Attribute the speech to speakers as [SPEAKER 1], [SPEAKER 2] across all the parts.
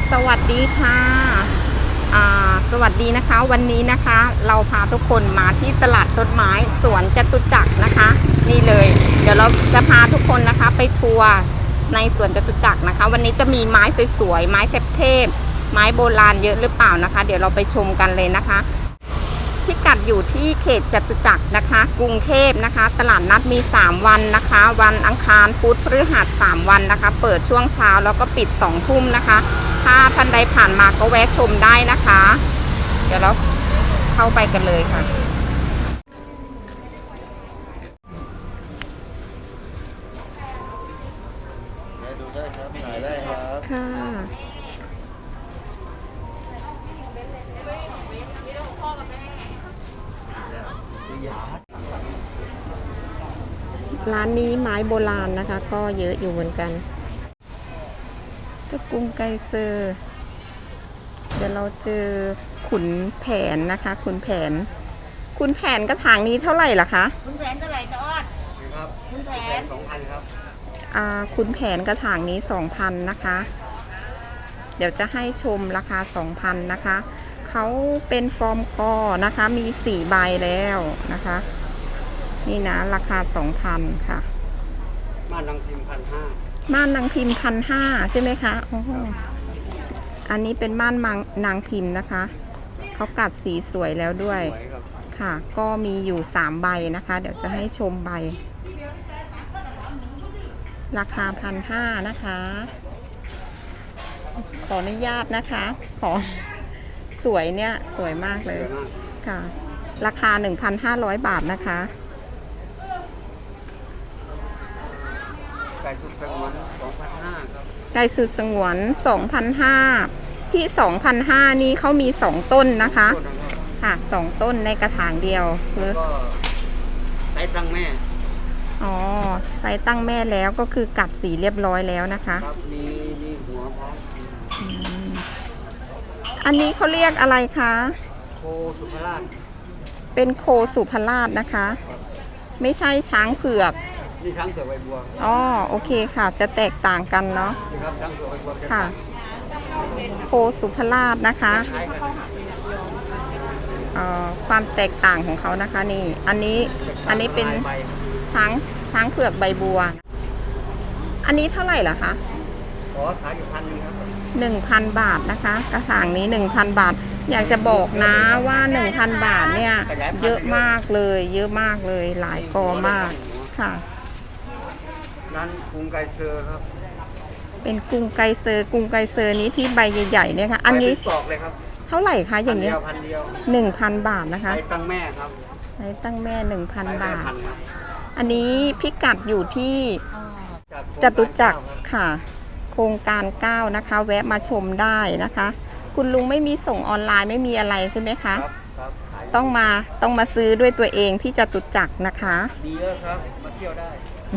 [SPEAKER 1] สวัสดีค่ะสวัสดีนะคะวันนี้นะคะเราพาทุกคนมาที่ตลาดต้นไม้สวนจตุจักรนะคะนี่เลยเดี๋ยวเราจะพาทุกคนนะคะไปทัวร์ในสวนจตุจักรนะคะวันนี้จะมีไม้สวยๆไม้เทพๆไม้โบราณเยอะหรือเปล่านะคะเดี๋ยวเราไปชมกันเลยนะคะพิกัดอยู่ที่เขตจตุจักรนะคะกรุงเทพนะคะตลาดนัดมี3วันนะคะวันอังคารพุธพฤหัส3วันนะคะเปิดช่วงเช้าแล้วก็ปิด2 ทุ่มนะคะถ้าท่านใดผ่านมาก็แวะชมได้นะคะเดี๋ยวเราเข้าไปกันเลยค่ะ
[SPEAKER 2] ดูได้ครับถ่ายได้ครับ
[SPEAKER 1] ค่ะร้านนี้ไม้โบราณนะคะก็เยอะอยู่เหมือนกันเจ้ากรุงไกเซอร์เดี๋ยวเราเจอขุนแผนนะคะขุนแผนกระถางนี้เท่าไหร่ล่ะคะ
[SPEAKER 3] คุณแผนเท่าไหร่จะออด
[SPEAKER 2] ครับ
[SPEAKER 3] คุณแผน
[SPEAKER 2] 2,000ครับ
[SPEAKER 1] ขุนแผนกระถางนี้ 2,000 นะคะเดี๋ยวจะให้ชมราคา 2,000 นะคะเขาเป็นฟอร์มกอนะคะมี4 ใบแล้วนะคะนี่นะราคา 2,000 ค่ะ
[SPEAKER 2] ม่านนางพิมพ์1,500
[SPEAKER 1] ม่านนางพิมพ์1,500ใช่ไหมคะโอ้อันนี้เป็นม่านนางพิมพ์นะคะเขากัดสีสวยแล้วด้วยค่ะก็มีอยู่3 ใบนะคะเดี๋ยวจะให้ชมใบราคา1,500นะคะขออนุญาตนะคะขอสวยเนี่ยสวยมากเลยค่ะราคา 1,500 บาทนะคะ
[SPEAKER 2] ไก่สุดสงวน2,500ครับ
[SPEAKER 1] ไก่สุดสงวน 2,500 ที่ 2,500 นี้เขามี2 ต้นนะคะค่ะ2 ต้นในกระถางเดียวคือ
[SPEAKER 2] ก็ไซส์ตั้งแม่
[SPEAKER 1] อ๋อไซส์ตั้งแม่แล้วก็คือกัดสีเรียบร้อยแล้วนะคะ
[SPEAKER 2] ครับมีหัวพร้อม
[SPEAKER 1] อันนี้เขาเรียกอะไรคะ
[SPEAKER 2] โคสุภราช
[SPEAKER 1] เป็นโคสุภราชนะคะไม่ใช่ช้างเผือก
[SPEAKER 2] นี่ช้างเผือกใบบัว
[SPEAKER 1] อ๋อโอเคค่ะจะแตกต่างกันเนาะ
[SPEAKER 2] นี่ครับช้างเผือกใบบัว
[SPEAKER 1] ค่ะโคสุภราชนะคะความแตกต่างของเขานะคะนี่อันนี้เป็นช้างเผือกใบบัวอันนี้เท่าไหร่ล่ะคะ
[SPEAKER 2] ขอขายอยู่1,000ครับ
[SPEAKER 1] 1,000 บาทนะคะกระถางนี้ 1,000 บาทอยากจะบอกนะว่า 1,000 บาทเนี่ยเยอะมากเลยหลายกอมากค่ะ
[SPEAKER 2] ร้านกรุงไกเซอร์ครับ
[SPEAKER 1] เป็นกรุงไกเซอร์นี้ที่ใบใหญ่ๆเนี่ยค่ะอันนี้
[SPEAKER 2] สอกเลยครับ
[SPEAKER 1] เท่าไหร่คะอย่างนี้1,000 บาทนะคะ
[SPEAKER 2] ไซส์ตั้งแม่ครับ
[SPEAKER 1] ไซส์ตั้งแม่ 1,000 บาทอันนี้พิกัดอยู่ที่จตุจักรค่ะโครงการ9นะคะแวะมาชมได้นะคะคุณลุงไม่มีส่งออนไลน์ไม่มีอะไรใช่ไหมคะ
[SPEAKER 2] ครับ
[SPEAKER 1] ต้องมาซื้อด้วยตัวเองที่จตุจักรนะคะ
[SPEAKER 2] ดีแล้วครับมาเที่ยวได้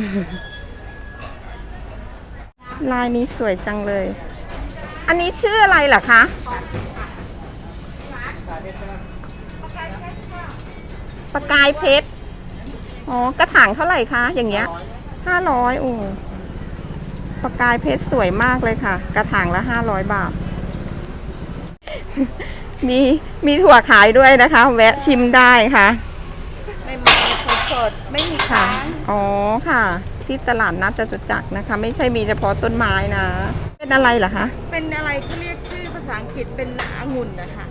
[SPEAKER 1] ลายนี้สวยจังเลยอันนี้ชื่ออะไรล่ะคะประกายเพชรอ๋อกระถางเท่าไหร่คะอย่างเงี้ย500โอ้ประกายเพชรสวยมากเลยค่ะกระถางละ500 บาทมีถั่วขายด้วยนะคะแวะชิมได้ค่ะ
[SPEAKER 3] ไม่มีสดไม่มีค้าง
[SPEAKER 1] อ๋อค่ะที่ตลาดนัดจตุจักรนะคะไม่ใช่มีเฉพาะต้นไม้นะเป็นอะไรเหรอคะ
[SPEAKER 3] เป็นอะไรที่เรียกชื่อภาษาอังกฤษเป็นองุ่นนะคะ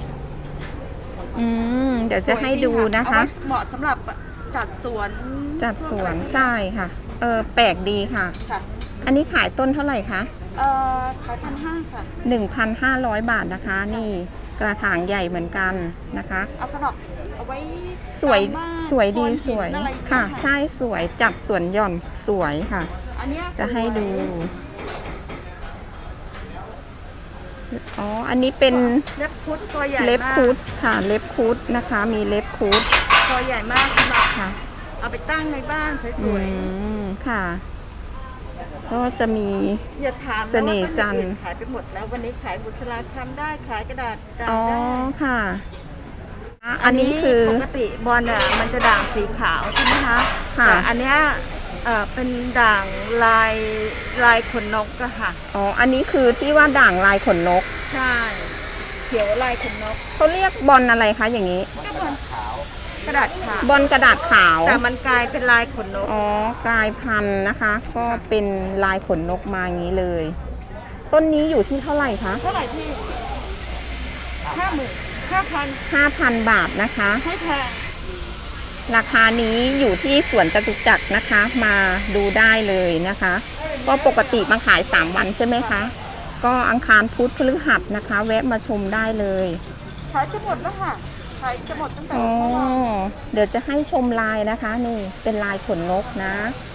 [SPEAKER 1] เดี๋ยวจะให้ดูนะคะ
[SPEAKER 3] เหมาะสำหรับจัดสวน
[SPEAKER 1] ใช่ค่ะแปลกดีค่ะอันนี้ขายต้นเท่าไหร่คะ
[SPEAKER 3] ขาย1,500ค่ะ
[SPEAKER 1] 1,500 บาทนะคะนี่กระถางใหญ่เหมือนกันนะคะ
[SPEAKER 3] เอาสำหรับเอาไว้
[SPEAKER 1] สวยดีสวยค่ะใช่สวยจัดสวนหย่อนสวยค่ะจะให้ดูอ๋ออันนี้เป็น
[SPEAKER 3] เล็บคุดตัวใหญ่
[SPEAKER 1] เล็บคุดค่ะเล็บคุดนะคะมีเล็บคุด
[SPEAKER 3] ตัวใหญ่มากค่ะเอาไปตั้งในบ้านสวย
[SPEAKER 1] ๆค่ะก็จะมีเสน่ห์จันทร์
[SPEAKER 3] ขายไปหมดแล้ววันนี้ขายบุษราคำได้ขายกระดาษได้
[SPEAKER 1] อ๋อค่ะอันนี้คือ
[SPEAKER 3] ปกติบอลอ่ะมันจะด่างสีขาวใช่ไหมคะแต่อันเนี้ย เป็นด่างลายขนนกอะค่ะ
[SPEAKER 1] อ๋ออันนี้คือที่ว่าด่างลายขนนก
[SPEAKER 3] ใช่เขียวลายขนนก
[SPEAKER 1] เขาเรียกบอลอะไรคะอย่างนี้
[SPEAKER 3] ก็บอลกระดาษขาว
[SPEAKER 1] บอลกระดาษขาว
[SPEAKER 3] แต่มันกลายเป็นลายขนนก
[SPEAKER 1] อ๋อกลายพันธุ์นะคะ ก็เป็นลายขนนกมาอย่างนี้เลย ต้นนี้อยู่ที่เท่าไหร่คะ
[SPEAKER 3] เท่าไหร่พี่5,000
[SPEAKER 1] 5,000 บาทนะคะ
[SPEAKER 3] ให้แพง
[SPEAKER 1] ราคานี้อยู่ที่สวนจตุจักรนะคะ มาดูได้เลยนะคะ ก็ปกติมาขาย 3 วันใช่ไหมคะ ก็อังคารพุธพฤหัสนะคะ แวะมาชมได้เลย
[SPEAKER 3] ขายจะหมดแล้วค่ะขายจะหมดตั้งแต่
[SPEAKER 1] อ๋อ
[SPEAKER 3] เมื่อวาน
[SPEAKER 1] เดี๋ยวจะให้ชมลายนะคะ นี่เป็นลายขนนกนะ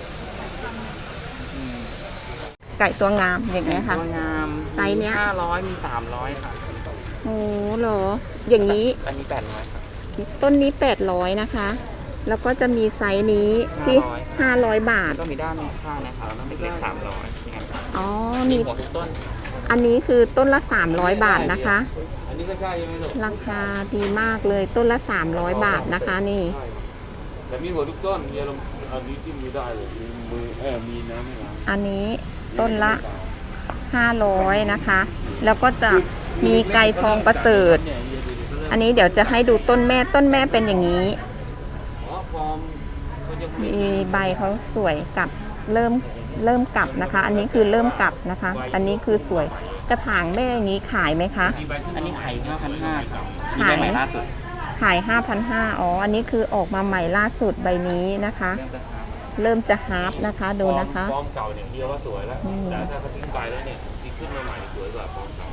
[SPEAKER 1] ไก่ตัวงามอย่างนี้ยค่ะ
[SPEAKER 2] ตัวงาม
[SPEAKER 1] ไซส์เนี้ย
[SPEAKER 2] 500 มี 300 ค่ะ
[SPEAKER 1] โอ้เหรอ อย่างนี้
[SPEAKER 2] อันนี้ 800 ครับ
[SPEAKER 1] ต้นนี้ 800 นะคะ แล้วก็จะมีไซส์นี้ที่ 500 บาท
[SPEAKER 2] แล้วก็มีด้านข้างนะครับเล็กๆ300นี่ครับ
[SPEAKER 1] อ๋อ
[SPEAKER 2] มี
[SPEAKER 1] มี
[SPEAKER 2] หัวทุกต้น
[SPEAKER 1] อันนี้คือต้นละ 300 บาทนะคะ
[SPEAKER 2] อันนี้ก็ใช่ใช่ไหมลูก
[SPEAKER 1] ราคาดีมากเลยต้นละ 300 บาทนะคะนี่
[SPEAKER 4] แต่มีหัวทุกต้นมีอารมณ์อันนี้จิ้มมือได้เลยมีมือมีน้ำให้ล้าง
[SPEAKER 1] อันนี้ต้นละ 500 นะคะ แล้วก็จะมีไก่ทองประเสริฐ อันนี้เดี๋ยวจะให้ดูต้นแม่เป็นอย่างนี้
[SPEAKER 4] อ๋อฟอร์มเขาจะมี
[SPEAKER 1] มีใบเขาสวยกับเริ่มกลับนะคะ อันนี้คือเริ่มกลับนะคะ อันนี้คือสวยกระถางแม่อย่างนี้ขายไหมคะ
[SPEAKER 2] อันนี้ไข่5,500ครับมี
[SPEAKER 1] ขาย
[SPEAKER 2] ใบใหม่ล่าสุด
[SPEAKER 1] ขาย 5,500อ๋อ อันนี้คือออกมาใหม่ล่าสุดใบนี้นะคะ
[SPEAKER 2] เริ่มจะหา
[SPEAKER 1] เริ่มจะฮาร์ปนะคะดูนะคะ
[SPEAKER 4] ฟอร์มเก่าเนี่ยเดียวว่าสวยแล้ว แต่ถ้าเขาทิ้งไปแล้วเนี่ยที่ขึ้นมาใหม่สวยกว่าฟอร์มเก่า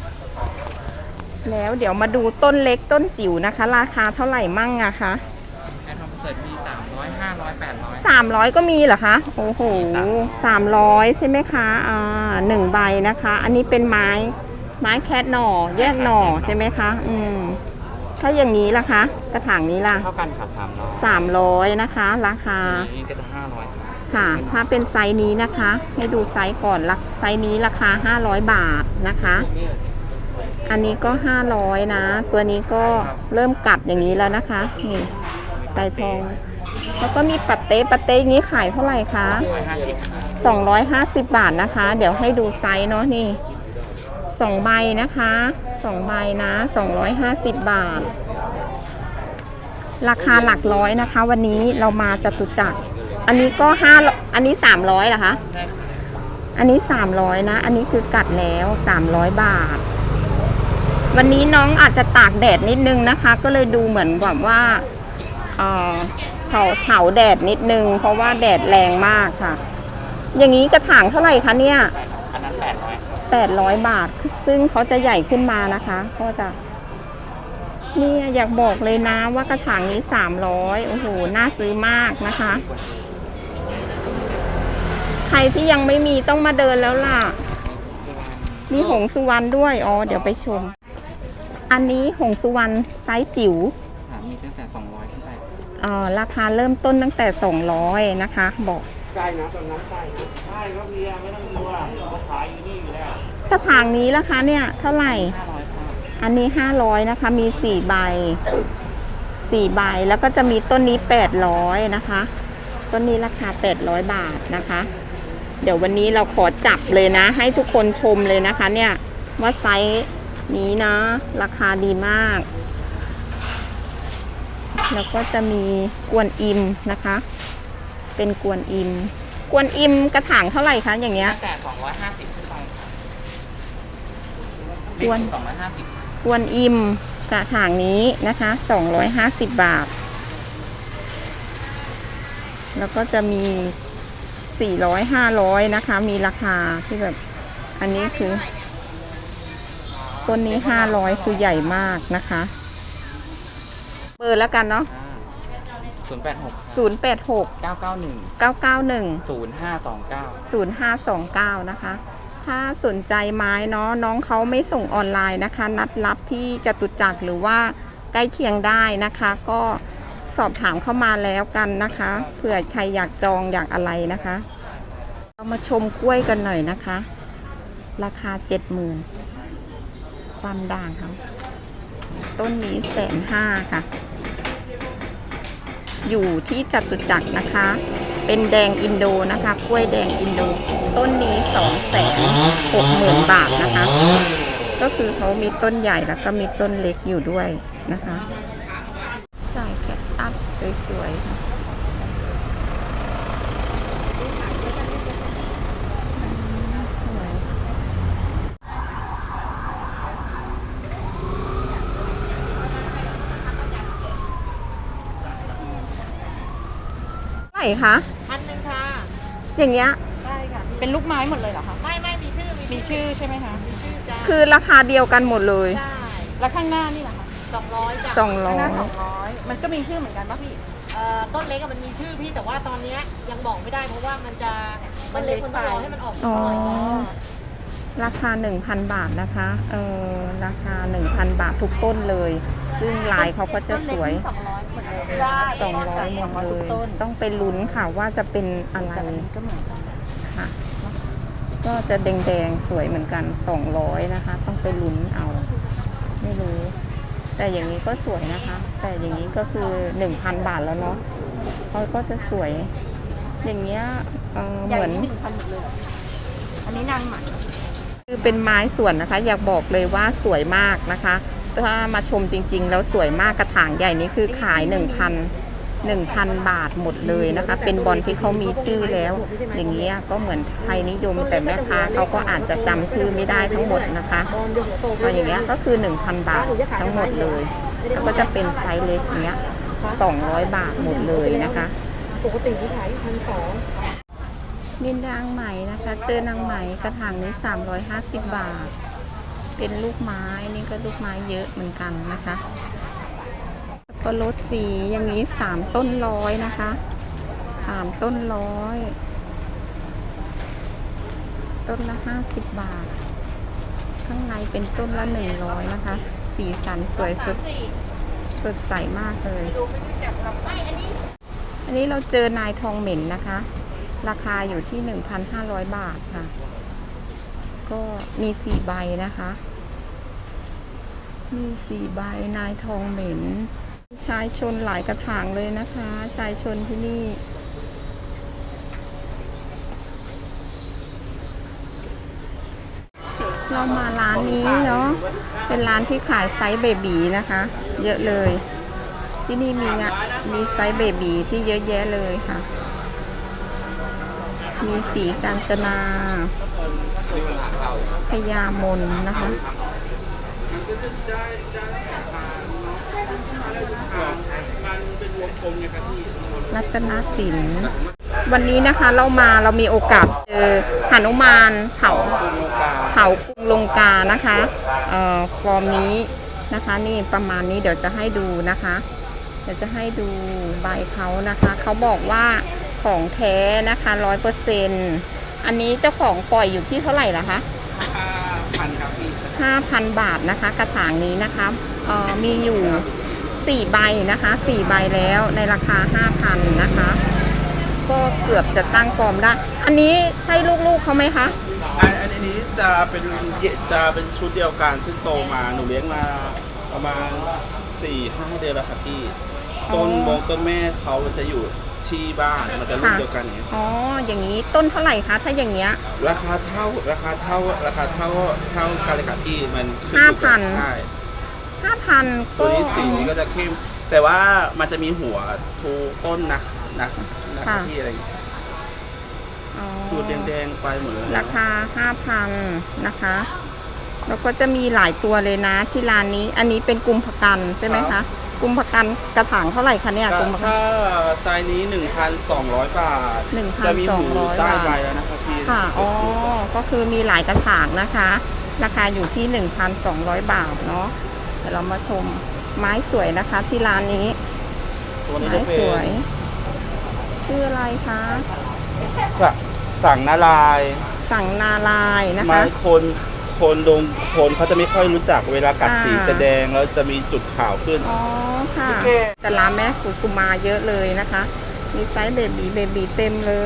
[SPEAKER 1] แล้วเดี๋ยวมาดูต้นเล็กต้นจิ๋วนะคะ ราคาเท่าไหร่มั่งอะคะ
[SPEAKER 2] ไข่ทองประเสริฐมี300 500 800
[SPEAKER 1] 300ก็มีเหรอคะ โอ้โห300ใช่ไหมคะ1ใบนะคะ อันนี้เป็นไม้แคทหน่อแยกหน่อใช่ไหมคะถ้าอย่างนี้ล่ะคะกระถางนี้ล่ะ
[SPEAKER 2] เท่ากันค่ะ300
[SPEAKER 1] 300นะคะ ราคา
[SPEAKER 2] นี่ก็จะ500ครับ
[SPEAKER 1] ค่ะ ถ้าเป็นไซส์นี้นะคะ ให้ดูไซส์ก่อนไซส์นี้ราคา500 บาทนะคะ อันนี้ก็500นะ ตัวนี้ก็เริ่มกัดอย่างนี้แล้วนะคะ นี่ไก่ทอง แล้วก็มีปัตเต้อย่างนี้ขายเท่าไหร่คะ 250 บาทนะคะ เดี๋ยวให้ดูไซส์เนาะนี่2ใบนะคะ2ใบนะ250 บาท ราคาหลักร้อยนะคะ วันนี้เรามาจตุจักร อันนี้ก็อันนี้300เหรอคะ
[SPEAKER 2] ใช่ค่ะ
[SPEAKER 1] อันนี้300นะ อันนี้คือกัดแล้ว300 บาท วันนี้น้องอาจจะตากแดดนิดนึงนะคะ ก็เลยดูเหมือนแบบว่าเฉาแดดนิดนึง เพราะว่าแดดแรงมากค่ะ อย่างนี้กระถางเท่าไหร่คะเนี่ย
[SPEAKER 2] อันนั้น800
[SPEAKER 1] 800 บาท ซึ่งเขาจะใหญ่ขึ้นมานะคะ ก็จะเนี่ยอยากบอกเลยนะว่ากระถางนี้300โอ้โหน่าซื้อมากนะคะ ใครที่ยังไม่มีต้องมาเดินแล้วล่ะ มีหงสุวรรณด้วย อ๋อ เดี๋ยวไปชม อันนี้หงสุวรรณไซส์จิ๋ว
[SPEAKER 2] มีตั้งแต่200ขึ้นไป
[SPEAKER 1] ราคาเริ่มต้นตั้งแต่200นะคะ บอก
[SPEAKER 4] ใช่นะตอนนั้นใช่นะใช่ครับเฮียไม่ต้องกลัวเขาขายอยู่นี่อยู่แล้ว
[SPEAKER 1] กระถางนี้ราคาเนี่ยเท่าไหร่
[SPEAKER 2] 500
[SPEAKER 1] อันนี้500นะคะ มี4ใบ4ใบ แล้วก็จะมีต้นนี้800นะคะ ต้นนี้ราคา800 บาทนะคะ เดี๋ยววันนี้เราขอจับเลยนะ ให้ทุกคนชมเลยนะคะ เนี่ยว่าไซส์นี้นะ ราคาดีมาก แล้วก็จะมีกวนอิมนะคะ เป็นกวนอิมกระถางเท่าไหร่คะอย่างเงี้ย
[SPEAKER 2] ตั้งแต่250ขึ้นไปค่ะ
[SPEAKER 1] กวน
[SPEAKER 2] 250
[SPEAKER 1] กวนอิมกระถางนี้นะคะ250 บาท แล้วก็จะมี400 500นะคะ มีราคาที่แบบ อันนี้คือต้นนี้500คือใหญ่มากนะคะเบอร์แล้วกันเนาะ
[SPEAKER 2] 086
[SPEAKER 1] 086
[SPEAKER 2] 991
[SPEAKER 1] 991
[SPEAKER 2] 0529
[SPEAKER 1] นะคะ ถ้าสนใจไม้เนาะน้องเขาไม่ส่งออนไลน์นะคะ นัดรับที่จตุจักรหรือว่าใกล้เคียงได้นะคะ ก็สอบถามเข้ามาแล้วกันนะคะเผื่อใครอยากจองอยากอะไรนะคะ เรามาชมกล้วยกันหน่อยนะคะ ราคา 70,000 ความด่างเขาต้นนี้150,000ค่ะ อยู่ที่จตุจักรนะคะ เป็นแดงอินโดนะคะกล้วยแดงอินโดต้นนี้260,000 บาทนะคะก็คือเขามีต้นใหญ่แล้วก็มีต้นเล็กอยู่ด้วยนะคะสายแคคตัสสวยๆค่ะสวยเท่าไหร่คะ
[SPEAKER 3] 1,000ค่ะ
[SPEAKER 1] อย่างเงี้ย
[SPEAKER 3] ได้ค่ะ
[SPEAKER 1] เป็นลูกไม้หมดเลยเหรอคะ
[SPEAKER 3] ไม่มีชื่อ
[SPEAKER 1] มีชื่อใช่ไหมคะ
[SPEAKER 3] มีชื่อจ้า
[SPEAKER 1] คือราคาเดียวกันหมดเลย
[SPEAKER 3] ใช่
[SPEAKER 1] แล้วข้างหน้านี่แหละคะ
[SPEAKER 3] 200จ้ะ
[SPEAKER 1] 200
[SPEAKER 3] หน้า200มันก็มีชื่อเหมือนกันป่ะพี่ต้นเล็กมันมีชื่อพี่แต่ว่าตอนเนี้ยยังบอกไม่ได้เพราะว่ามันเล็กมันต้องรอให้มันออก
[SPEAKER 1] อ๋อ
[SPEAKER 3] หน่อย
[SPEAKER 1] ราคา 1,000 บาทนะคะราคา 1,000 บาททุกต้นเลย ซึ่งลายเขาก็จะสวย
[SPEAKER 3] 200หมดเลยได้
[SPEAKER 1] 200หมดเลย ต้องไปลุ้นค่ะว่าจะเป็นอะไร
[SPEAKER 3] ก็เหมือนกัน
[SPEAKER 1] ค่ะ ก็จะแดงๆสวยเหมือนกัน 200นะคะ ต้องไปลุ้นเอา ไม่รู้ แต่อย่างนี้ก็สวยนะคะ แต่อย่างนี้ก็คือ 1,000 บาทแล้วเนาะเขาก็จะสวย อย่างเงี้ยเหมือน
[SPEAKER 3] 1,000หมดเลยอันนี้นางไหม
[SPEAKER 1] คือเป็นไม้สวนนะคะ อยากบอกเลยว่าสวยมากนะคะ ถ้ามาชมจริงๆ แล้วสวยมากกระถางใหญ่นี้คือขาย 1,000 บาทหมดเลยนะคะ เป็นบอลที่เขามีชื่อแล้ว อย่างเงี้ยก็เหมือนไทยนิยมแต่แม่ค้าเขาก็อาจจะจำชื่อไม่ได้ทั้งหมดนะคะพออย่างเงี้ยก็คือ 1,000 บาททั้งหมดเลยแล้วก็จะเป็นไซส์เล็กอย่างเงี้ย200 บาทหมดเลยนะคะ
[SPEAKER 3] ปกติที่ขาย1,200
[SPEAKER 1] มีนางไหมนะคะ เจอนางไหมกระถางนี้350 บาท เป็นลูกไม้นี่ก็ลูกไม้เยอะเหมือนกันนะคะสับปะรดสีอย่างนี้3 ต้นร้อยนะคะ3 ต้นร้อยต้นละ50 บาท ข้างในเป็นต้นละ100นะคะ สีสันสวยสดใสมากเลย อันนี้เราเจอนายทองเหม็นนะคะ ราคาอยู่ที่ 1,500 บาทค่ะ ก็มี4 ใบนะคะ มี4 ใบนายทองเหม็น ชายชนหลายกระถางเลยนะคะ ชายชนที่นี่ เรามาร้านนี้เนาะ เป็นร้านที่ขายไซส์เบบีนะคะ เยอะเลย ที่นี่มีไซส์เบบีที่เยอะแยะเลยค่ะ มีสีกาญจนาพญามนนะคะ รัตนสิน วันนี้นะคะเรามีโอกาสเจอหนุมานเผากรุงลงกานะคะฟอร์มนี้นะคะนี่ประมาณนี้เดี๋ยวจะให้ดูนะคะ เดี๋ยวจะให้ดูใบเขานะคะ เขาบอกว่าของแท้นะคะ100%อันนี้เจ้าของปล่อยอยู่ที่เท่าไหร่ล่ะคะ
[SPEAKER 2] 5,000 ครับพี่
[SPEAKER 1] 5,000 บาทนะคะกระถางนี้นะคะมีอยู่4 ใบนะคะ4 ใบแล้วในราคา 5,000 นะคะ ก็เกือบจะตั้งฟอร์มได้ อันนี้ใช่ลูกๆเขาไหมคะ
[SPEAKER 2] อันนี้จะเป็นชุดเดียวกันซึ่งโตมาหนูเลี้ยงมาประมาณ 4-5 เดือนแล้วครับพี่ต้นแม่เขาจะอยู่ที่บ้านมันจะรุ่นเดียวกันเนี่ย
[SPEAKER 1] อ๋ออย่างนี้ต้นเท่าไหร่คะถ้าอย่างเงี้ย
[SPEAKER 2] ราคาเท่ากันเลยครับพี่มันขึ้น
[SPEAKER 1] 5,000
[SPEAKER 2] ใช่
[SPEAKER 1] 5,000
[SPEAKER 2] ตัวนี้สีนี้ก็จะเข้มแต่ว่ามันจะมีหัวทูต้นนะครับพี่อะไรอย่างเงี้ย
[SPEAKER 1] อ๋อ
[SPEAKER 2] ดูแดงๆไปหมดเลย
[SPEAKER 1] ราคา 5,000 นะคะ แล้วก็จะมีหลายตัวเลยนะที่ร้านนี้ อันนี้เป็นกุมภกันใช่ไหมคะ กุมภกันกระถางเท่าไหร่คะเนี่ยกุมภกัน
[SPEAKER 2] ถ้าไซส์นี้ 1,200 บาท จะมีหู
[SPEAKER 1] 1,200
[SPEAKER 2] ใต้
[SPEAKER 1] บาท
[SPEAKER 2] ใบแล้วนะครับพี่
[SPEAKER 1] ค่ะ อ๋อ ก็คือมีหลายกระถางนะคะ ราคาอยู่ที่ 1,200 บาทเนาะ เดี๋ยวเรามาชมไม้สวยนะคะที่ร้านนี้
[SPEAKER 2] ตัวนี้
[SPEAKER 1] ไม้
[SPEAKER 2] จะเป็
[SPEAKER 1] ส
[SPEAKER 2] น
[SPEAKER 1] วย ชื่ออะไรคะ
[SPEAKER 2] สั่งนาลายณ์
[SPEAKER 1] สั่งนาลายณ์นะ
[SPEAKER 2] ไม้
[SPEAKER 1] คะ
[SPEAKER 2] คนเขาจะไม่ค่อยรู้จักเวลากัดสี
[SPEAKER 1] อ่า
[SPEAKER 2] จะแดงแล้วจะมีจุดขาวขึ้น
[SPEAKER 1] อ๋อค่ะ แต่ร้านแม่กุสุมาเยอะเลยนะคะ มีไซส์เบบีเต็มเลย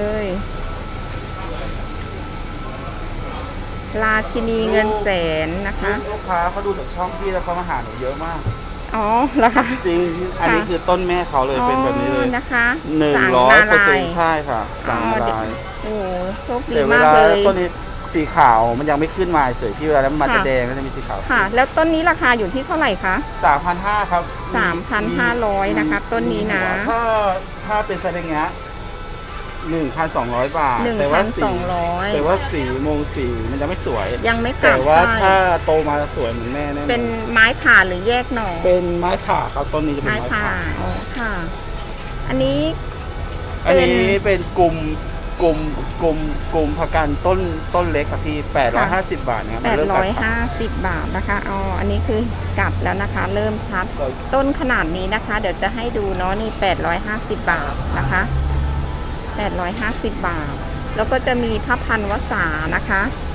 [SPEAKER 1] ราชินีเงินแสนนะคะ
[SPEAKER 2] ลูกค้าเขาดูจากช่องพี่แล้วเขามาหาหนูเยอะมาก
[SPEAKER 1] อ๋อเหรอคะ
[SPEAKER 2] จริง อันนี้คือต้นแม่เขาเลยเป็นแบบนี้เลย
[SPEAKER 1] อ๋อนะคะ
[SPEAKER 2] 100% ใช่ค่ะ สั่งนาลายณ์
[SPEAKER 1] โอ้โหโชคดี
[SPEAKER 2] แต่เว
[SPEAKER 1] มาก
[SPEAKER 2] ลา
[SPEAKER 1] เลย
[SPEAKER 2] ต้นนี้สีขาวมันยังไม่ขึ้นมาเฉยพี่เวลาแล้วมันจะ
[SPEAKER 1] ค่ะ
[SPEAKER 2] แดงก็จะมีสีขาว
[SPEAKER 1] ค่ะ แล้วต้นนี้ราคาอยู่ที่เท่าไหร่คะ
[SPEAKER 2] 3,500ครับ
[SPEAKER 1] 3,500นะคะต้นนี้นะ
[SPEAKER 2] ถ้าเป็นไซส์อย่างเงี้ย1,200 บาทแต่ว่าสีมงสีมันจะไม่สวย
[SPEAKER 1] ยังไม่กลั
[SPEAKER 2] แต่
[SPEAKER 1] บ
[SPEAKER 2] ว่า
[SPEAKER 1] ใช่
[SPEAKER 2] ถ้าโตมาสวยเหมือนแม่แน่นอน
[SPEAKER 1] เป็นไม้ผ่าหรือแยกหน่อ
[SPEAKER 2] เป็นไม้ผ่าครับต้นนี้จะเป็น
[SPEAKER 1] ไม้
[SPEAKER 2] ไม้
[SPEAKER 1] ผ่า
[SPEAKER 2] ผ่า
[SPEAKER 1] อ๋อค่ะ อันนี้
[SPEAKER 2] อันนี้เป็นกลุ่มผักกันต้นเล็กครับพี่850 บาทนะครับมันเริ่มกัดครับ
[SPEAKER 1] 850 บาทนะคะอ๋ออันนี้คือกัดแล้วนะคะ เริ่มชัด ต้นขนาดนี้นะคะ เดี๋ยวจะให้ดูเนาะนี่850 บาทนะคะ850 บาท แล้วก็จะมีพระพันวษานะคะ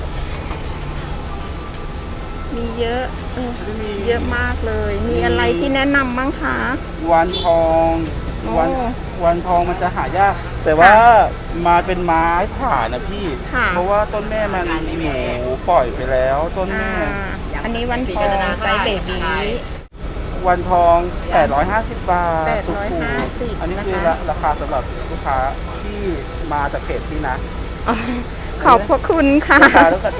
[SPEAKER 1] มีเยอะเยอะมากเลย มีอะไรที่แนะนำบ้างคะ
[SPEAKER 2] วันทอง
[SPEAKER 1] โอ้
[SPEAKER 2] วันทองมันจะหายาก แต่ว่ามาเป็นไม้ผ่านะพี่
[SPEAKER 1] ค่ะ
[SPEAKER 2] เพราะว่าต้นแม่มันหนูปล่อยไปแล้วต้น
[SPEAKER 1] อ่า
[SPEAKER 2] แม่
[SPEAKER 1] อันนี้วันทองไซส์เบบี
[SPEAKER 2] วันทอง850 บาทถูก
[SPEAKER 1] 850
[SPEAKER 2] อันนี้คือ
[SPEAKER 1] นะคะ
[SPEAKER 2] ราคาสำหรับลูกค้าที่มาจากเพจพี่นะ
[SPEAKER 1] อ๋อขอบพระคุณค่ะ
[SPEAKER 2] ลูกค้าแล้วก็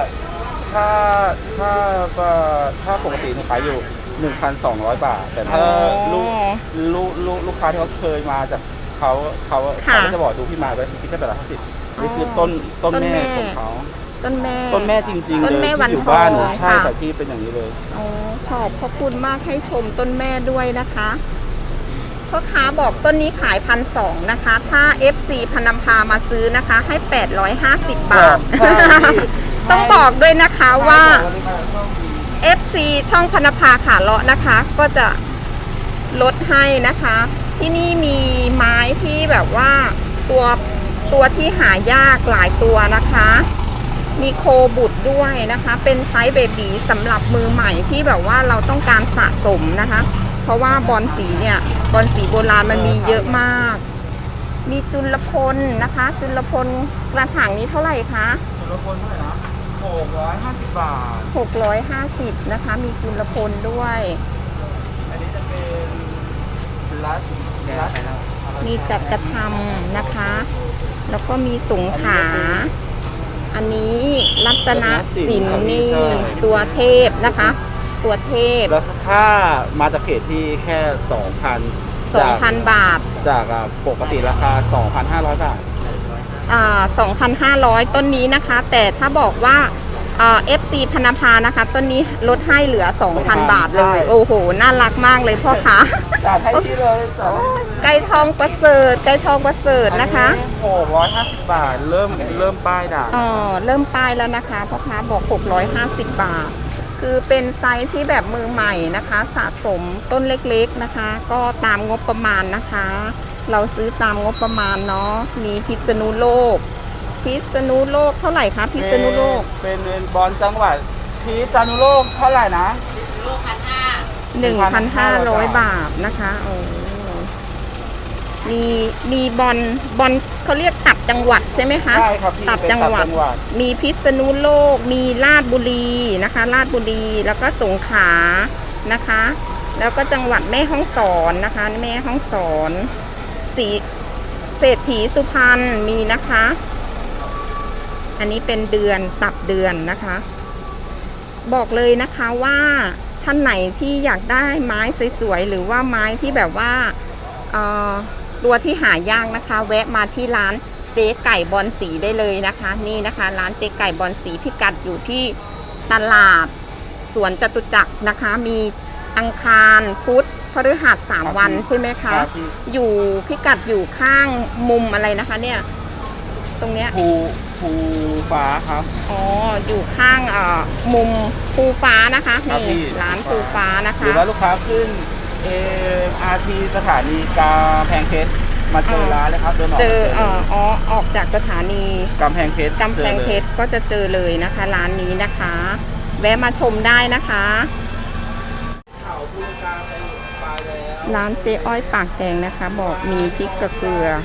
[SPEAKER 2] ถ้าปกติหนูขายอยู่ 1,200 บาท แต่ถ้า
[SPEAKER 1] อ๋อ
[SPEAKER 2] ลูกค้าที่เขาเคยมาจากเขา
[SPEAKER 1] ค่ะ
[SPEAKER 2] ก็จะบอกดูพี่มาไว้ที่แค่850นี่คือต้นแม่ของเขา
[SPEAKER 1] ต้นแม่
[SPEAKER 2] ต้นแม่จริงๆ
[SPEAKER 1] ต้น
[SPEAKER 2] เลย
[SPEAKER 1] แม่
[SPEAKER 2] ที่
[SPEAKER 1] วัน
[SPEAKER 2] อยู่
[SPEAKER 1] ทอง
[SPEAKER 2] บ้านใช่
[SPEAKER 1] ค่ะ
[SPEAKER 2] แต่ที่เป็นอย่างนี้เลย
[SPEAKER 1] อ๋อขอบพระคุณมากให้ชมต้นแม่ด้วยนะคะพ่อค้าบอกต้นนี้ขาย1,200นะคะ ถ้า FC พนำพามาซื้อนะคะ ให้850 บาท
[SPEAKER 2] ใช่พี่
[SPEAKER 1] ต้องบอกด้วยนะคะว่า FC ช่องพนภาขาเลาะนะคะ ก็จะลดให้นะคะ ที่นี่มีไม้ที่แบบว่าตัวที่หายากหลายตัวนะคะ มีโคบุตรด้วยนะคะ เป็นไซส์เบบีสำหรับมือใหม่ที่แบบว่าเราต้องการสะสมนะคะ เพราะว่าบอลสีเนี่ยบอลสีโบราณมันมีเยอะมาก มีจุลพลนะคะ จุลพลกระถางนี้เท่าไหร่คะ
[SPEAKER 2] จุลพลเท่าไหร่นะ650 บาท
[SPEAKER 1] 650นะคะ มีจุลพลด้วย
[SPEAKER 2] อันนี้จะเป็นรัด
[SPEAKER 1] มีจักรธรรมนะคะ แล้วก็มีสงขลาอันนี้รัตนสินนี่ตัวเทพนะคะ ตัวเทพ
[SPEAKER 2] แล้วถ้ามาจากเพจที่แค่ 2,000
[SPEAKER 1] 2,000 บาท
[SPEAKER 2] จากปกติราคา 2,500 บาท
[SPEAKER 1] 2,500 ต้นนี้นะคะ แต่ถ้าบอกว่าFC พนภานะคะ ต้นนี้ลดให้เหลือ 2,000 บาทเลย
[SPEAKER 2] ใช่
[SPEAKER 1] โอ้โห น่ารักมากเลยพ่อค้า
[SPEAKER 2] จัดให้ที่เลยจัดให้
[SPEAKER 1] ไก่ทองประเสริฐไก่ทองประเสริฐนะคะ
[SPEAKER 2] 650 บาท เริ่มป้ายด่าง
[SPEAKER 1] เริ่มป้ายแล้วนะคะพ่อค้าบอก650 บาท คือเป็นไซส์ที่แบบมือใหม่นะคะ สะสมต้นเล็กๆนะคะ ก็ตามงบประมาณนะคะ เราซื้อตามงบประมาณเนาะมีพิษณุโลกเท่าไหร่คะพิษณุโลก
[SPEAKER 2] เป็นบอลจังหวัดพิษณุโลกเท่าไหร่นะ
[SPEAKER 1] 1,500 บาทนะคะโอ้มีบอลเขาเรียกตับจังหวัดใช่ไหมคะ
[SPEAKER 2] ใช่ครับพี่
[SPEAKER 1] ตับ
[SPEAKER 2] เป็น
[SPEAKER 1] จังหวัด มีพิษณุโลก มีราชบุรีนะคะ ราชบุรีแล้วก็สงขลานะคะ แล้วก็จังหวัดแม่ฮ่องสอนนะคะ แม่ฮ่องสอนเศรษฐีสุพรรณมีนะคะ อันนี้เป็นเดือนตับเดือนนะคะ บอกเลยนะคะว่าท่านไหนที่อยากได้ไม้สวยๆหรือว่าไม้ที่แบบว่าตัวที่หายากนะคะ แวะมาที่ร้านเจ๊ไก่บอลสีได้เลยนะคะ นี่นะคะ ร้านเจ๊ไก่บอลสีพิกัดอยู่ที่ตลาดสวนจตุจักรนะคะ มีอังคารพุธพฤหัส3 วันใช่ไหมคะ
[SPEAKER 2] ครับพี่
[SPEAKER 1] อยู่พิกัดอยู่ข้างมุมอะไรนะคะเนี่ยตรงเนี้ย
[SPEAKER 2] ภูฟ้าครับ
[SPEAKER 1] อ๋อ อยู่ข้างมุมภูฟ้านะคะ
[SPEAKER 2] ครับ
[SPEAKER 1] นี่
[SPEAKER 2] พี่
[SPEAKER 1] ร้านภูฟ้านะ
[SPEAKER 2] หรื
[SPEAKER 1] คะ
[SPEAKER 2] อว่าลูกค้าขึ้นMRT สถานีกำแพงเพชรมาเจอร้านเลยครับเดินออก
[SPEAKER 1] เจอ
[SPEAKER 2] มา
[SPEAKER 1] ออกจากสถานี
[SPEAKER 2] กำแพงเพชร
[SPEAKER 1] กำแพงเพชรก็จะเจอเลยนะคะ ร้านนี้นะคะ แวะมาชมได้นะคะ
[SPEAKER 2] เขาภูกาไปปลายแล้ว
[SPEAKER 1] ร้านเจ๊อ้อยปากแดงนะคะ บอกมีพริกกระเกลือ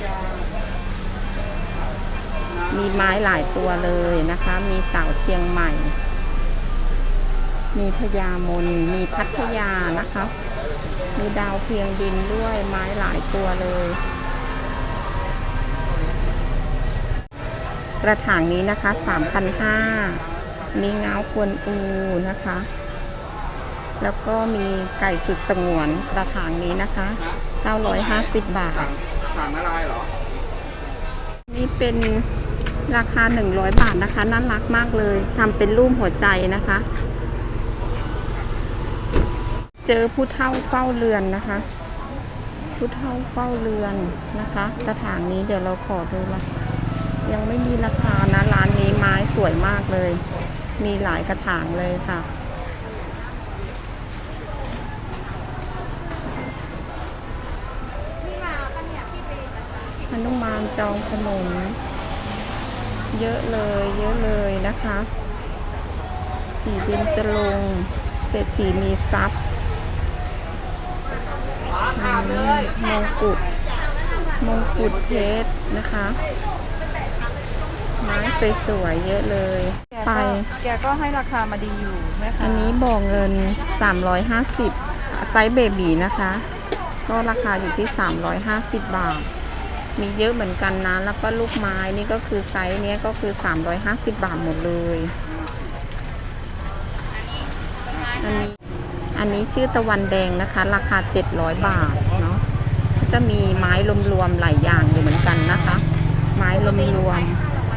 [SPEAKER 1] มีไม้หลายตัวเลยนะคะ มีสาวเชียงใหม่ มีพญามนมีพัทยานะคะ มีดาวเพียงดินด้วยไม้หลายตัวเลยกระถางนี้นะคะ 3,500 นี่เงาควนอูนะคะ แล้วก็มีไก่สุดสงวนกระถางนี้นะคะ950 บาท
[SPEAKER 2] สั่งอะไรเหรอ
[SPEAKER 1] นี่เป็นราคา100 บาทนะคะน่ารักมากเลยทำเป็นรูปหัวใจนะคะ เจอผู้เฒ่าเฝ้าเรือนนะคะ ผู้เฒ่าเฝ้าเรือนนะคะกระถางนี้เดี๋ยวเราขอดูละยังไม่มีราคานะร้านนี้ไม้สวยมากเลย มีหลายกระถางเลยค่ะหนุมานจองถนนเยอะเลยนะคะสีเบญจรงค์เศรษฐีมีทรัพย์มงกุฎเพชรนะคะไม้สวยๆเยอะเลยไป
[SPEAKER 5] แกก็ให้ราคามาดีอยู่แม่คะ
[SPEAKER 1] อันนี้บ่อเงิน350ไซส์เบบีนะคะ ก็ราคาอยู่ที่350 บาท มีเยอะเหมือนกันนะแล้วก็ลูกไม้นี่ก็คือไซส์เนี้ยก็คือ350 บาทหมดเลยอันนี้ชื่อตะวันแดงนะคะราคา700 บาทเนาะจะมีไม้รวมๆหลายอย่างอยู่เหมือนกันนะคะ ไม้รวม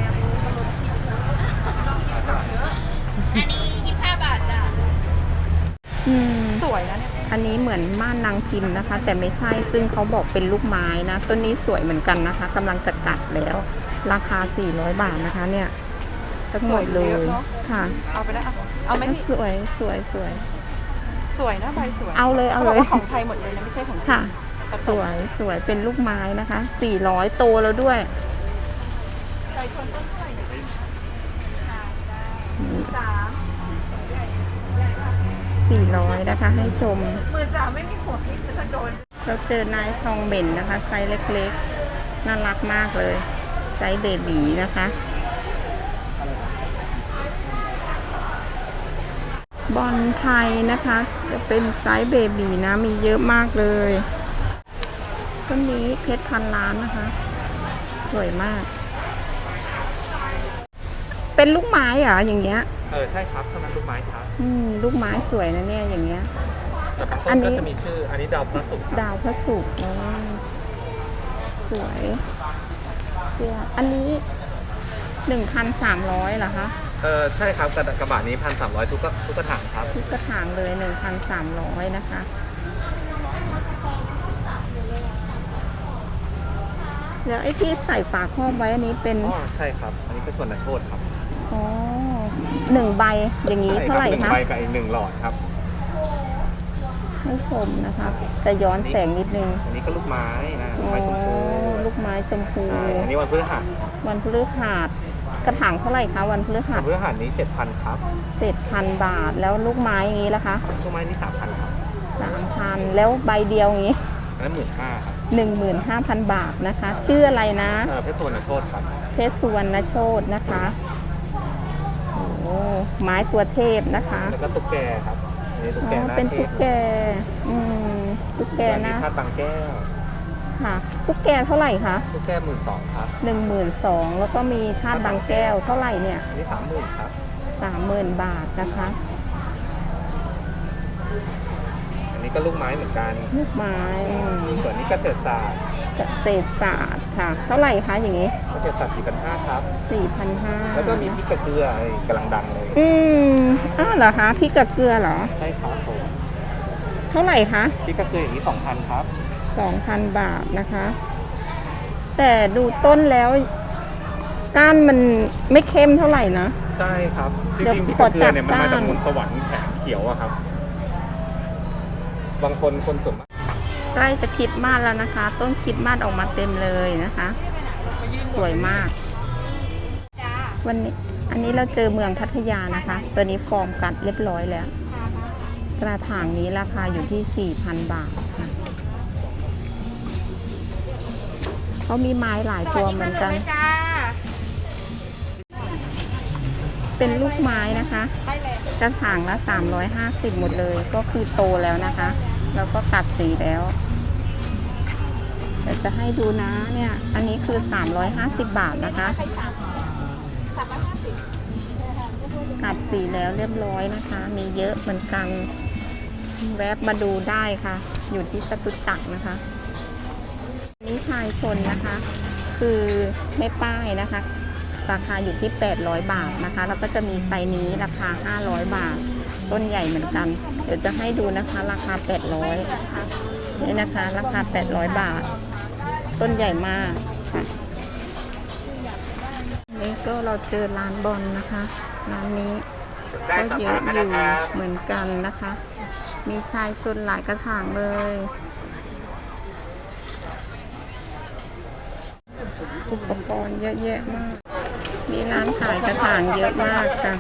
[SPEAKER 5] อันนี้25 บาทจ้ะ
[SPEAKER 1] ๆ
[SPEAKER 5] สวยนะเนี่ย
[SPEAKER 1] อันนี้เหมือนม่านนางพิมพ์นะคะ แต่ไม่ใช่ซึ่งเขาบอกเป็นลูกไม้นะต้นนี้สวยเหมือนกันนะคะกำลังจะกัดแล้วราคา400 บาทนะคะเนี่ยทั้งหมดเลยค่ะ
[SPEAKER 5] เอาไปได้เอาไหมพี่
[SPEAKER 1] สวย
[SPEAKER 5] สวยนะใบสวย
[SPEAKER 1] เอาเลย
[SPEAKER 5] ขบอกว่าของไทยหมดเลยนะไม่ใช่ของจีน
[SPEAKER 1] ค่ะ
[SPEAKER 5] ผ
[SPEAKER 1] สวยเป็นลูกไม้นะคะ400โตแล้วด้วย
[SPEAKER 5] ไก่ชนต้นเท่าไหร่เนี่ย
[SPEAKER 1] 400นะคะให้ชม
[SPEAKER 5] 13,000ไม่มีหัวคิดจะโดน
[SPEAKER 1] เราเจอนายทองเหม็นนะคะไซส์เล็กๆน่ารักมากเลยไซส์เบบีนะคะบอลไทยนะคะจะเป็นไซส์เบบีนะมีเยอะมากเลยต้นนี้เพชรพันล้านนะคะสวยมาก เป็นลูกไม้เหรออย่างเงี้ย
[SPEAKER 6] ใช่ครับเท่านั้นลูกไม้ครับ
[SPEAKER 1] ลูกไม้สวยนะเนี่ยอย่างเงี้ย
[SPEAKER 6] แต่บาง
[SPEAKER 1] อั
[SPEAKER 6] ต้
[SPEAKER 1] น
[SPEAKER 6] น
[SPEAKER 1] นี้
[SPEAKER 6] ก็จะมีชื่อ อันนี้ดาวพระศุกร์ครับ
[SPEAKER 1] ดาวพระศุกร์สวยเชื่ออันนี้ 1,300เหรอคะ
[SPEAKER 6] ใช่ครับกระบะนี้1,300ทุกกระถางครับ
[SPEAKER 1] ทุกกระถางเลย 1,300นะคะแล้วไอ้ที่ใส่ฝาครอบไว้อันนี้เป็น
[SPEAKER 6] อ๋อ ใช่ครับ อันนี้ก็ส่วนนักโทษครับ
[SPEAKER 1] อ๋อ1 ใบอย่างนี้เท่าไหร่
[SPEAKER 6] ใช่
[SPEAKER 1] คะ
[SPEAKER 6] บ1ใบกับอีก1หลอดครับ
[SPEAKER 1] ให้ชมนะคะจะย้อนแสงนิดนึง
[SPEAKER 6] อันนี้ก็ลูกไม้นะลู
[SPEAKER 1] อ๋
[SPEAKER 6] ก
[SPEAKER 1] อ
[SPEAKER 6] ไม้ชมพู
[SPEAKER 1] ลูกไม้ชมพู
[SPEAKER 6] ใช่อันนี้วันพฤหัส
[SPEAKER 1] วันพฤหัสกระถางเท่าไหร่คะวันพฤหั
[SPEAKER 6] วั
[SPEAKER 1] ส
[SPEAKER 6] นพฤหัสนี้ 7,000 ครับ
[SPEAKER 1] 7,000 บาทแล้วลูกไม้อย่างนี้ล่ะคะ
[SPEAKER 6] ลูกไม้นี่ 3,000 ครับ
[SPEAKER 1] 3,000แล้วใบเดียวอย่างนี้
[SPEAKER 6] อันนั้น15,000 ครับ
[SPEAKER 1] 15,000 บาทนะคะ ชื่ออะไรนะ
[SPEAKER 6] เพชรส่วนนักโทษครับ
[SPEAKER 1] เพชรสุวรรณโชตนะคะโอ้ไม้ตัวเทพนะคะ
[SPEAKER 6] แล้วก็ตุ๊กแกครับ อันนี้ตุ๊กแกหน้า
[SPEAKER 1] เป็น
[SPEAKER 6] เท
[SPEAKER 1] ตุ๊
[SPEAKER 6] พ
[SPEAKER 1] กแกตุ๊กแก
[SPEAKER 6] อันนี้
[SPEAKER 1] นะ
[SPEAKER 6] ธาตุบางแก้ว
[SPEAKER 1] ค่ะตุ๊กแกเท่าไหร่คะ
[SPEAKER 6] ตุ๊กแก12,000 ครับ
[SPEAKER 1] 12,000แล้วก็มีธาตุบางแก้วเท่าไหร่เนี่ย
[SPEAKER 6] อันนี้ 30,000 ครับ
[SPEAKER 1] 30,000 บาทนะคะ
[SPEAKER 6] อันนี้ก็ลูกไม้เหมือนกัน
[SPEAKER 1] ลูกไม้
[SPEAKER 6] ส่วนนี้เกษตรศาสตร์
[SPEAKER 1] เกษตรศาสตร์ค่ะ เท่าไหร่คะอย่างนี้
[SPEAKER 6] เกษตรศาสตร์4,500 ครับ
[SPEAKER 1] 4,500
[SPEAKER 6] แล้วก็มีพริกกระเกลืออะไรกำลังดังเลย
[SPEAKER 1] อ้าวเหรอคะพริกกับเกลือเหรอ
[SPEAKER 6] ใช่ครับผม
[SPEAKER 1] เท่าไหร่คะ
[SPEAKER 6] พริกกระเกลืออย่างนี้ 2,000 ครับ
[SPEAKER 1] 2,000 บาทนะคะ แต่ดูต้นแล้วก้านมันไม่เข้มเท่าไหร่นะ
[SPEAKER 6] ใช่ครับจ
[SPEAKER 1] เดี๋ยว
[SPEAKER 6] ริงๆพริก
[SPEAKER 1] ข
[SPEAKER 6] ก
[SPEAKER 1] อ
[SPEAKER 6] ระเกลือเนี่ยมัน
[SPEAKER 1] จั
[SPEAKER 6] มา
[SPEAKER 1] บ
[SPEAKER 6] จาก
[SPEAKER 1] ก้าน
[SPEAKER 6] มนต์สวรรค์แขกเขียวอะครับ บางคนส่วนมาก
[SPEAKER 1] ใกล้จะคริดมาสแล้วนะคะ ต้นคริดมาสออกมาเต็มเลยนะคะ สวยมาก วันนี้อันนี้เราเจอเมืองพัทยานะคะ ตัวนี้ฟอร์มกัดเรียบร้อยแล้ว กระถางนี้ราคาอยู่ที่ 4,000 บาทค่ะเขามีไม้หลายตัวเหมือนกัน เป็นลูกไม้นะคะ กระถางละ350หมดเลย ก็คือโตแล้วนะคะ แล้วก็กัดสีแล้วเดี๋ยวจะให้ดูนะเนี่ย อันนี้คือ350 บาทนะคะกัดสีแล้วเรียบร้อยนะคะ มีเยอะเหมือนกัน แวบมาดูได้ค่ะ อยู่ที่จตุจักรนะคะ นี่ชายชนนะคะ คือไม่ป้ายนะคะ ราคาอยู่ที่800 บาทนะคะ แล้วก็จะมีไซส์นี้ราคา500 บาท ต้นใหญ่เหมือนกัน เดี๋ยวจะให้ดูนะคะ ราคา800นี่นะคะ ราคา800 บาท ต้นใหญ่มากค่ะนี่ก็เราเจอร้านบอลนะคะ ร้านนี้ก็เยอะอยู่เหมือนกันนะคะ มีชายชนหลายกระถางเลย อุปกรณ์เยอะแยะมาก มีร้านขายกระถางเยอะมากค่ะ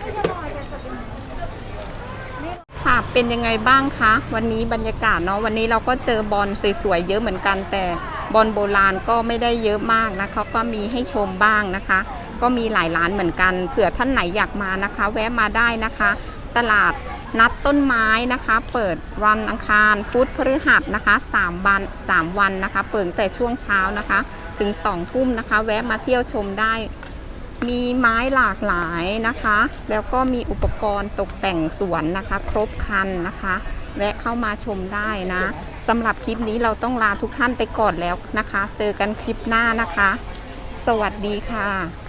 [SPEAKER 1] ค่ะ เป็นยังไงบ้างคะ วันนี้บรรยากาศเนาะ วันนี้เราก็เจอบอลสวยๆเยอะเหมือนกัน แต่บอลโบราณก็ไม่ได้เยอะมากนะเขาก็มีให้ชมบ้างนะคะ ก็มีหลายร้านเหมือนกัน เผื่อท่านไหนอยากมานะคะ แวะมาได้นะคะ ตลาดนัดต้นไม้นะคะ เปิดวันอังคารพุธพฤหัสนะคะ3 วันนะคะ เปิดแต่ช่วงเช้านะคะ ถึง2 ทุ่มนะคะ แวะมาเที่ยวชมได้ มีไม้หลากหลายนะคะ แล้วก็มีอุปกรณ์ตกแต่งสวนนะคะ ครบครันนะคะ แวะเข้ามาชมได้นะสำหรับคลิปนี้เราต้องลาทุกท่านไปก่อนแล้วนะคะ เจอกันคลิปหน้านะคะ สวัสดีค่ะ